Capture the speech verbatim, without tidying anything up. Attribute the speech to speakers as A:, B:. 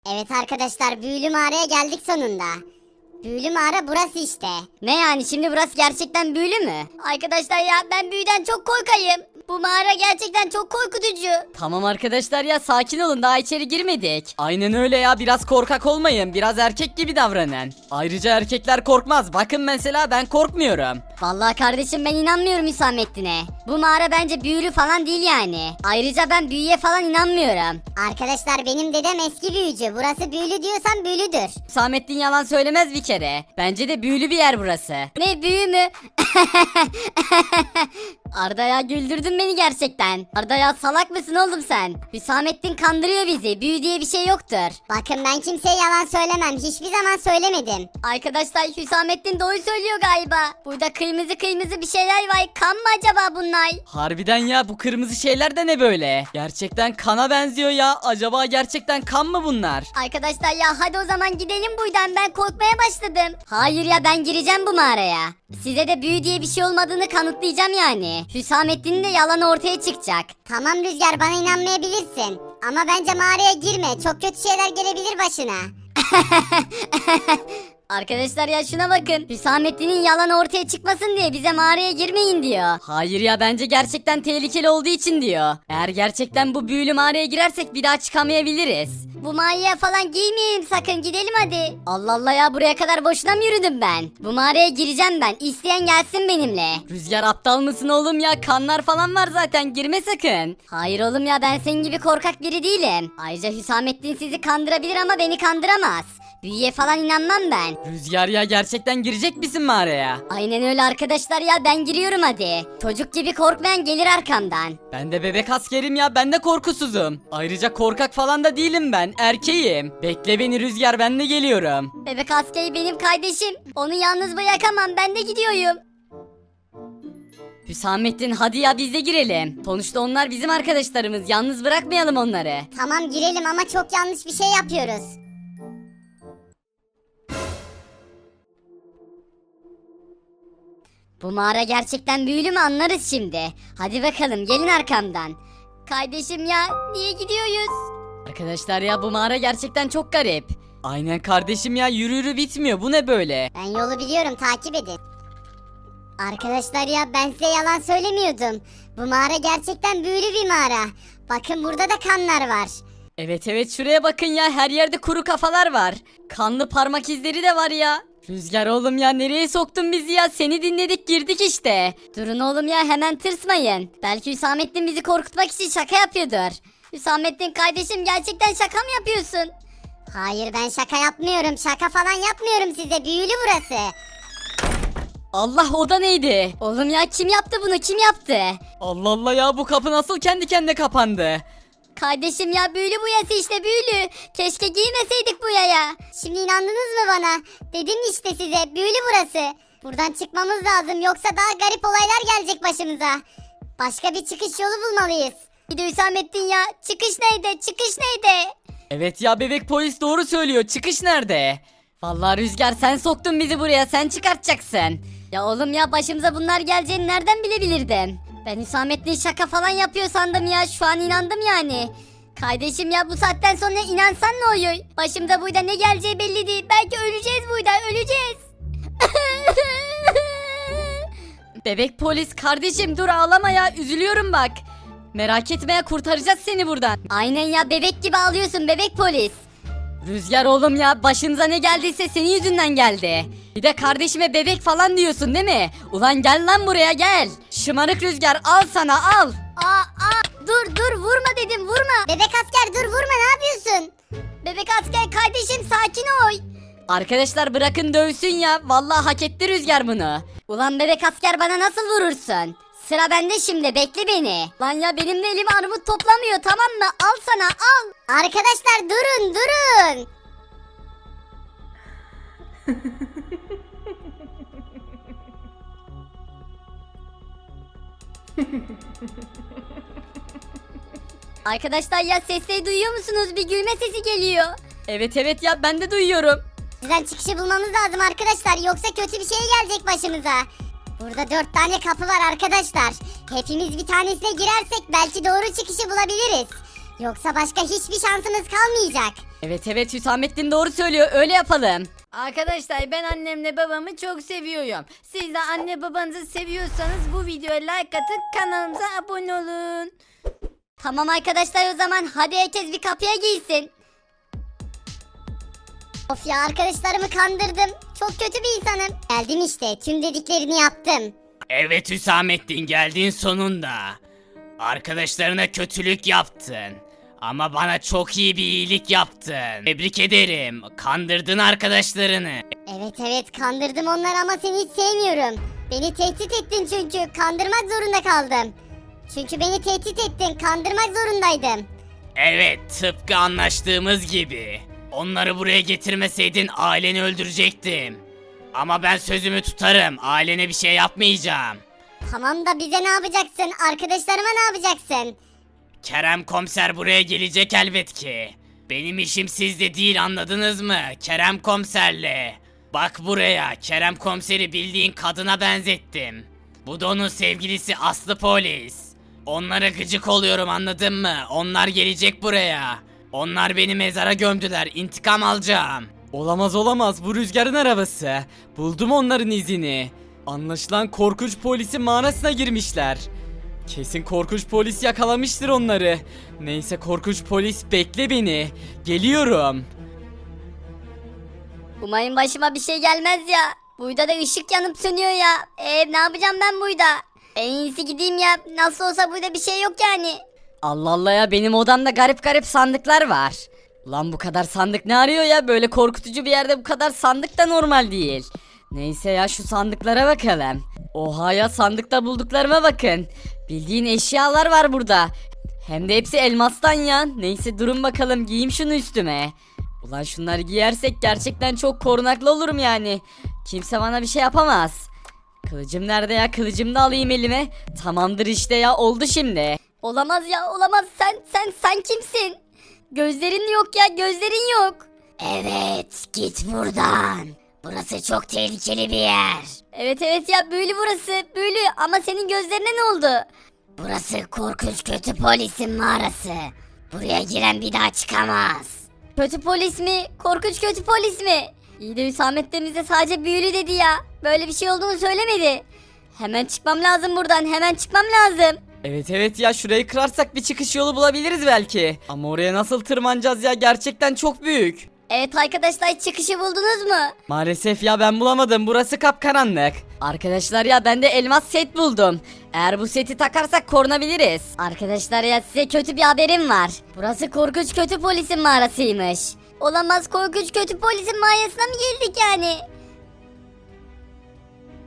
A: Evet arkadaşlar, büyülü mağaraya geldik sonunda. Büyülü mağara burası işte.
B: Ne yani, şimdi burası gerçekten büyülü mü? Arkadaşlar ya, ben büyüden çok korkayım. Bu mağara gerçekten çok korkutucu.
C: Tamam arkadaşlar ya, sakin olun, daha içeri girmedik. Aynen öyle ya, biraz korkak olmayın, biraz erkek gibi davranın. Ayrıca erkekler korkmaz, bakın mesela ben korkmuyorum.
B: Vallahi kardeşim, ben inanmıyorum Hüsamettin'e. Bu mağara bence büyülü falan değil yani. Ayrıca ben büyüye falan inanmıyorum.
A: Arkadaşlar, benim dedem eski büyücü. Burası büyülü diyorsam büyülüdür.
C: Hüsamettin yalan söylemez bir kere. Bence de büyülü bir yer burası.
B: Ne büyü mü? Arda ya, güldürdün beni gerçekten. Arda ya, salak mısın oğlum sen? Hüsamettin kandırıyor bizi. Büyü diye bir şey yoktur.
A: Bakın, ben kimseye yalan söylemem. Hiçbir zaman söylemedim.
B: Arkadaşlar, Hüsamettin doğru söylüyor galiba. Burada kırmızı kırmızı bir şeyler var. Kan mı acaba bunlar?
C: Harbiden ya, bu kırmızı şeyler de ne böyle? Gerçekten kana benziyor ya. Acaba gerçekten kan mı bunlar?
B: Arkadaşlar ya, hadi o zaman gidelim buradan, ben korkmaya başladım. Hayır ya, ben gireceğim bu mağaraya. Size de büyü diye bir şey olmadığını kanıtlayacağım yani. Hüsamettin'in de yalanı ortaya çıkacak.
A: Tamam Rüzgar, bana inanmayabilirsin. Ama bence mağaraya girme. Çok kötü şeyler gelebilir başına.
B: Arkadaşlar ya, şuna bakın. Hüsamettin'in yalanı ortaya çıkmasın diye bize mağaraya girmeyin diyor.
C: Hayır ya, bence gerçekten tehlikeli olduğu için diyor. Eğer gerçekten bu büyülü mağaraya girersek bir daha çıkamayabiliriz.
B: Bu mağaraya falan girmeyelim sakın, gidelim hadi. Allah Allah ya, buraya kadar boşuna mı yürüdüm ben? Bu mağaraya gireceğim ben. İsteyen gelsin benimle.
C: Rüzgar, aptal mısın oğlum ya? Kanlar falan var zaten, girme sakın.
B: Hayır oğlum ya, ben senin gibi korkak biri değilim. Ayrıca Hüsamettin sizi kandırabilir ama beni kandıramaz. Büyüye falan inanmam ben.
C: Rüzgar ya, gerçekten girecek misin mağaraya?
B: Aynen öyle arkadaşlar ya, ben giriyorum hadi. Çocuk gibi korkmayan gelir arkamdan.
C: Ben de bebek askerim ya, ben de korkusuzum. Ayrıca korkak falan da değilim ben, erkeğim. Bekle beni Rüzgar, ben de geliyorum.
B: Bebek askeri benim kardeşim. Onu yalnız bırakamam, ben de gidiyorum.
C: Hüsamettin, hadi ya biz de girelim. Sonuçta onlar bizim arkadaşlarımız, yalnız bırakmayalım onları.
A: Tamam, girelim ama çok yanlış bir şey yapıyoruz.
B: Bu mağara gerçekten büyülü mü, anlarız şimdi. Hadi bakalım, gelin arkamdan. Kardeşim ya, niye gidiyoruz?
C: Arkadaşlar ya, bu mağara gerçekten çok garip. Aynen kardeşim ya, yürü yürü bitmiyor, bu ne böyle?
A: Ben yolu biliyorum, takip edin. Arkadaşlar ya, ben size yalan söylemiyordum. Bu mağara gerçekten büyülü bir mağara. Bakın, burada da kanlar var.
C: Evet evet, şuraya bakın ya, her yerde kuru kafalar var. Kanlı parmak izleri de var ya. Rüzgar oğlum ya, nereye soktun bizi ya? Seni dinledik, girdik işte.
B: Durun oğlum ya, hemen tırsmayın. Belki Hüsamettin bizi korkutmak için şaka yapıyordur. Hüsamettin kardeşim, gerçekten şaka mı yapıyorsun?
A: Hayır, ben şaka yapmıyorum. Şaka falan yapmıyorum size. Büyülü burası.
C: Allah, o da neydi?
B: Oğlum ya, kim yaptı bunu, kim yaptı?
C: Allah Allah ya, bu kapı nasıl kendi kendine kapandı?
B: Kardeşim ya, büyülü bu yası işte, büyülü. Keşke giymeseydik bu yaya.
A: Şimdi inandınız mı bana? Dedim işte size, büyülü burası. Buradan çıkmamız lazım, yoksa daha garip olaylar gelecek başımıza. Başka bir çıkış yolu bulmalıyız.
B: Bir de Hüsamettin ya, çıkış neydi, çıkış neydi?
C: Evet ya, bebek polis doğru söylüyor, çıkış nerede? Vallahi Rüzgar, sen soktun bizi buraya, sen çıkartacaksın.
B: Ya oğlum ya, başımıza bunlar geleceğini nereden bilebilirdim? Ben Hüsamettin şaka falan yapıyor sandım ya, şu an inandım yani. Kardeşim ya, bu saatten sonra inansan ne oluyor? Başımda burada ne geleceği belli değil. Belki öleceğiz burada, öleceğiz.
C: Bebek polis kardeşim, dur ağlama ya, üzülüyorum bak. Merak etme ya, kurtaracağız seni buradan.
B: Aynen ya, bebek gibi ağlıyorsun bebek polis.
C: Rüzgar oğlum ya, başınıza ne geldiyse senin yüzünden geldi. Bir de kardeşime bebek falan diyorsun değil mi? Ulan gel lan buraya, gel. Şımarık Rüzgar, al sana, al.
B: Aa, aa, dur dur, vurma dedim, vurma.
A: Bebek asker, dur vurma, ne yapıyorsun?
B: Bebek asker kardeşim, sakin ol.
C: Arkadaşlar bırakın dövsün ya, vallahi hak etti Rüzgar bunu.
B: Ulan bebek asker, bana nasıl vurursun? Sıra bende şimdi, bekle beni. Lan ya, benim de elim armut toplamıyor, tamam mı? Al sana, al.
A: Arkadaşlar durun, durun.
B: Arkadaşlar ya, sesleri duyuyor musunuz? Bir gülme sesi geliyor.
C: Evet evet ya, ben de duyuyorum.
A: Sizden çıkışı bulmamız lazım arkadaşlar, yoksa kötü bir şey gelecek başımıza. Burada dört tane kapı var arkadaşlar. Hepimiz bir tanesine girersek belki doğru çıkışı bulabiliriz. Yoksa başka hiçbir şansınız kalmayacak.
C: Evet evet Hüsamettin doğru söylüyor öyle yapalım.
D: Arkadaşlar ben annemle babamı çok seviyorum. Siz de anne babanızı seviyorsanız bu videoya like atıp kanalımıza abone olun.
B: Tamam arkadaşlar o zaman hadi herkes bir kapıya giysin.
A: Of ya, arkadaşlarımı kandırdım. Çok kötü bir insanım. Geldim işte, tüm dediklerini yaptım.
E: Evet Hüsamettin geldin sonunda. Arkadaşlarına kötülük yaptın. Ama bana çok iyi bir iyilik yaptın. Tebrik ederim. Kandırdın arkadaşlarını.
A: Evet evet, kandırdım onları ama seni hiç sevmiyorum. Beni tehdit ettin çünkü kandırmak zorunda kaldım. Çünkü beni tehdit ettin, kandırmak zorundaydım.
E: Evet tıpkı anlaştığımız gibi. Onları buraya getirmeseydin aileni öldürecektim. Ama ben sözümü tutarım. Ailene bir şey yapmayacağım.
A: Tamam da bize ne yapacaksın? Arkadaşlarıma ne yapacaksın?
E: Kerem komiser buraya gelecek elbet ki. Benim işim sizde değil anladınız mı? Kerem komiserle. Bak buraya Kerem komiseri bildiğin kadına benzettim. Bu da onun sevgilisi Aslı polis. Onlara gıcık oluyorum anladın mı? Onlar gelecek buraya. Onlar beni mezara gömdüler. İntikam alacağım.
F: Olamaz olamaz bu Rüzgar'ın arabası. Buldum onların izini. Anlaşılan korkunç polisin mağarasına girmişler. Kesin korkunç polis yakalamıştır onları. Neyse korkunç polis bekle beni. Geliyorum.
B: Umarım başıma bir şey gelmez ya. Burada da ışık yanıp sönüyor ya. Eee ne yapacağım ben burada? En iyisi gideyim ya. Nasıl olsa burada bir şey yok yani.
C: Allah Allah ya benim odamda garip garip sandıklar var. Lan bu kadar sandık ne arıyor ya böyle korkutucu bir yerde bu kadar sandık da normal değil. Neyse ya şu sandıklara bakalım. Oha ya sandıkta bulduklarıma bakın. Bildiğin eşyalar var burada. Hem de hepsi elmastan ya. Neyse durun bakalım giyeyim şunu üstüme. Ulan şunları giyersek gerçekten çok korunaklı olurum yani. Kimse bana bir şey yapamaz. Kılıcım nerede ya? Kılıcımı da alayım elime. Tamamdır işte ya oldu şimdi.
B: Olamaz ya olamaz. Sen sen sen kimsin? Gözlerin yok ya gözlerin yok.
A: Evet, git buradan. Burası çok tehlikeli bir yer.
B: Evet evet ya büyülü burası büyülü ama senin gözlerine ne oldu?
A: Burası korkunç kötü polisin mağarası. Buraya giren bir daha çıkamaz.
B: Kötü polis mi? Korkunç kötü polis mi? İyi de Hüsamettin bize sadece büyülü dedi ya. Böyle bir şey olduğunu söylemedi. Hemen çıkmam lazım buradan hemen çıkmam lazım.
F: Evet evet ya şurayı kırarsak bir çıkış yolu bulabiliriz belki. Ama oraya nasıl tırmanacağız ya gerçekten çok büyük.
B: Evet arkadaşlar çıkışı buldunuz mu?
F: Maalesef ya ben bulamadım burası kapkaranlık.
C: Arkadaşlar ya ben de elmas set buldum. Eğer bu seti takarsak korunabiliriz.
B: Arkadaşlar ya size kötü bir haberim var. Burası korkunç kötü polisin mağarasıymış. Olamaz korkunç kötü polisin mağarasına mı girdik yani?